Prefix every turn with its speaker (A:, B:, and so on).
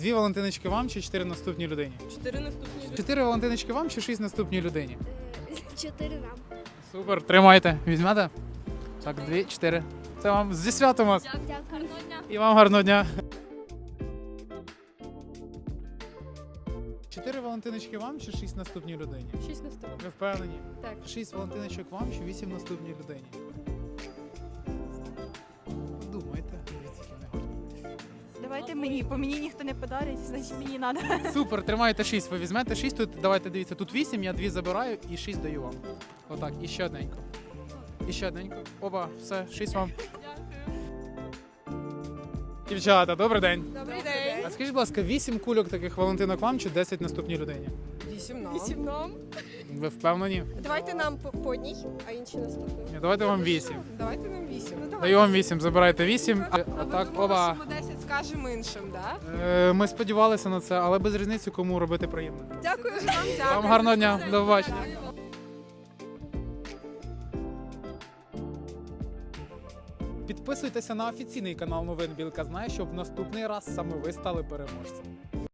A: 2 валентиночки вам чи 4 наступній людині?
B: 4 наступні люди.
A: 4 валентиночки вам чи 6 наступній людині?
C: 4 нам.
A: Супер, тримайте. Візьмете? Так, 2, 4. Це вам зі святом вас.
C: Дякую.
A: І вам гарного дня. 4 валентиночки вам чи 6 наступній людині?
B: 6 наступних.
A: Ви впевнені?
B: Так.
A: 6 валентиночок вам чи 8 наступній людині? Подумайте. Дивіться, які вони гарні.
D: Давайте мені, по мені ніхто не подарить, значить мені треба.
A: Супер, тримайте 6. Ви візьмете 6, тут давайте дивіться, тут 8, я 2 забираю і 6 даю вам. Отак, і ще одненько. І ще одненько. Оба, все, 6 вам. Дівчата, добрий день.
B: Добрий день.
A: А скажіть, будь ласка, 8 кульок таких валентинок вам чи 10 наступній людині?
B: 8 нам. 8 нам.
A: Ви впевнені?
B: Давайте нам по одній, а інші наступні.
A: Ні, давайте вам 8.
B: Давайте нам 8. Ну, давай.
A: Даю вам 8, забирайте 8.
B: А ви
A: Отак,
B: думали,
A: оба.
B: що ми 10 скажемо іншим, так?
A: Ми сподівалися на це, але без різниці, кому робити приємно.
B: Дякую вам. Дякую.
A: Вам гарного дня, до побачення. Підписуйтеся на офіційний канал новин Білка Знає, щоб наступний раз саме ви стали переможцем.